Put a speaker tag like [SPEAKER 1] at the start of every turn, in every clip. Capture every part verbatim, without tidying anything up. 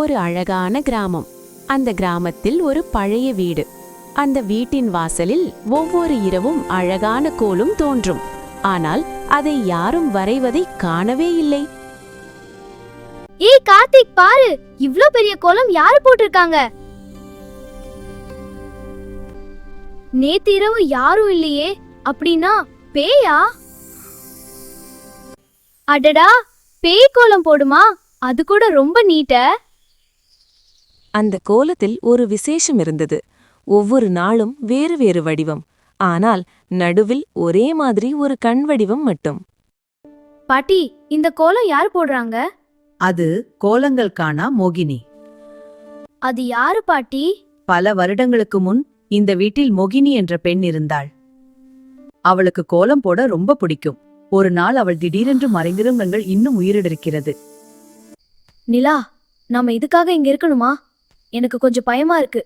[SPEAKER 1] ஒரு அழகான கிராமம். அந்த கிராமத்தில் ஒரு பழைய வீடு. அந்த வீட்டின் வாசலில் ஒவ்வொரு இரவும் அழகான கோலம் தோன்றும். ஆனால் அதை யாரும் வரைவதை காணவே இல்லை.
[SPEAKER 2] ஏய் கார்த்திக், பாரு, இவ்ளோ பெரிய கோலம் யாரு போட்டிருக்காங்க? நேத்து இரவு யாரும் இல்லையே, அப்படின்னா பேயா? அடடா, பேய் கோலம் போடுமா? அது கூட ரொம்ப நீட்ட.
[SPEAKER 3] அந்த கோலத்தில் ஒரு விசேஷம் இருந்தது. ஒவ்வொரு நாளும் வேறு வேறு வடிவம். ஆனால் நடுவில் ஒரே மாதிரி ஒரு கண் வடிவம் மட்டும்.
[SPEAKER 2] பாட்டி, இந்த கோலம் யார் போடுறாங்க?
[SPEAKER 4] அது கோலங்கள் காணா மோகினி.
[SPEAKER 2] அது யாரு பாட்டி?
[SPEAKER 4] பல வருடங்களுக்கு முன் இந்த வீட்டில் மோகினி என்ற பெண் இருந்தாள். அவளுக்கு கோலம் போட ரொம்ப பிடிக்கும். ஒரு நாள் அவள் திடீரென்று மறைந்திருங்கள் இன்னும் உயிரிழக்கிறது.
[SPEAKER 2] நிலா, நாம இதுக்காக இங்க இருக்கணுமா? எனக்கு கொஞ்சம் பயமா இருக்கு.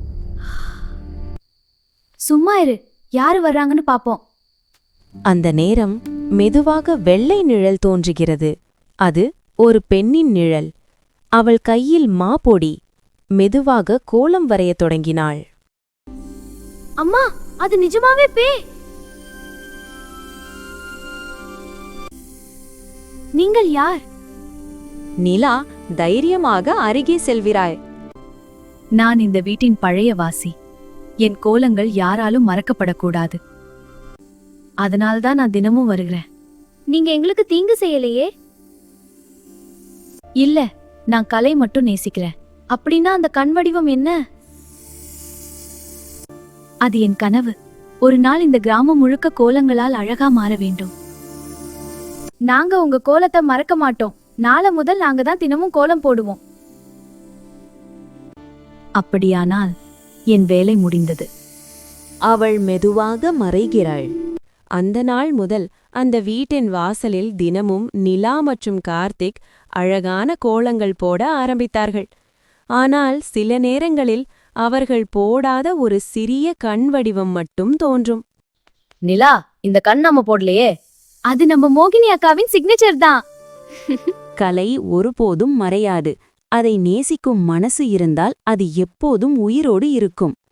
[SPEAKER 2] சும்மா இரு, யாரு வர்றாங்கன்னு பாப்போம்.
[SPEAKER 3] அந்த நேரம் மெதுவாக வெள்ளை நிழல் தோன்றுகிறது. அது ஒரு பெண்ணின் நிழல். அவள் கையில் மாப்பொடி. மெதுவாக கோலம் வரையத் தொடங்கினாள்.
[SPEAKER 2] அம்மா, அது நிஜமாவே பேய். நீங்கள் யார்?
[SPEAKER 3] நிலா, தைரியமாக அருகே செல்கிறாய்.
[SPEAKER 4] நான் இந்த வீட்டின் பழைய வாசி. என் கோலங்கள் யாராலும் மறக்கப்படக்கூடாது. அதனால்தான் நான் தினமும் வருகிறேன்.
[SPEAKER 2] நீங்க எங்களுக்கு தீங்கு செய்யலையே?
[SPEAKER 4] இல்ல, நான் கலை மட்டும் நேசிக்கிறேன்.
[SPEAKER 2] அப்படின்னா அந்த கண் வடிவம் என்ன?
[SPEAKER 4] அது என் கனவு. ஒரு நாள் இந்த கிராமம் முழுக்க கோலங்களால் அழகா மாற வேண்டும்.
[SPEAKER 2] நாங்க உங்க கோலத்தை மறக்க மாட்டோம். நாளை முதல் நாங்க தான் தினமும் கோலம் போடுவோம்.
[SPEAKER 4] அப்படியானால் என் வேலை முடிந்தது.
[SPEAKER 3] அவள் மெதுவாக மறைகிறாள். அந்த நாள் முதல் அந்த வீட்டின் வாசலில் தினமும் நிலா மற்றும் கார்த்திக் அழகான கோலங்கள் போட ஆரம்பித்தார்கள். ஆனால் சில நேரங்களில் அவர்கள் போடாத ஒரு சிறிய கண் வடிவம் மட்டும் தோன்றும்.
[SPEAKER 4] நிலா, இந்த கண் நாம போடலையே.
[SPEAKER 2] அது நம்ம மோகினி அக்காவின் சிக்னேச்சர் தான்.
[SPEAKER 3] கலை ஒருபோதும் மறையாது. அதை நேசிக்கும் மனசு இருந்தால் அது எப்போதும் உயிரோடு இருக்கும்.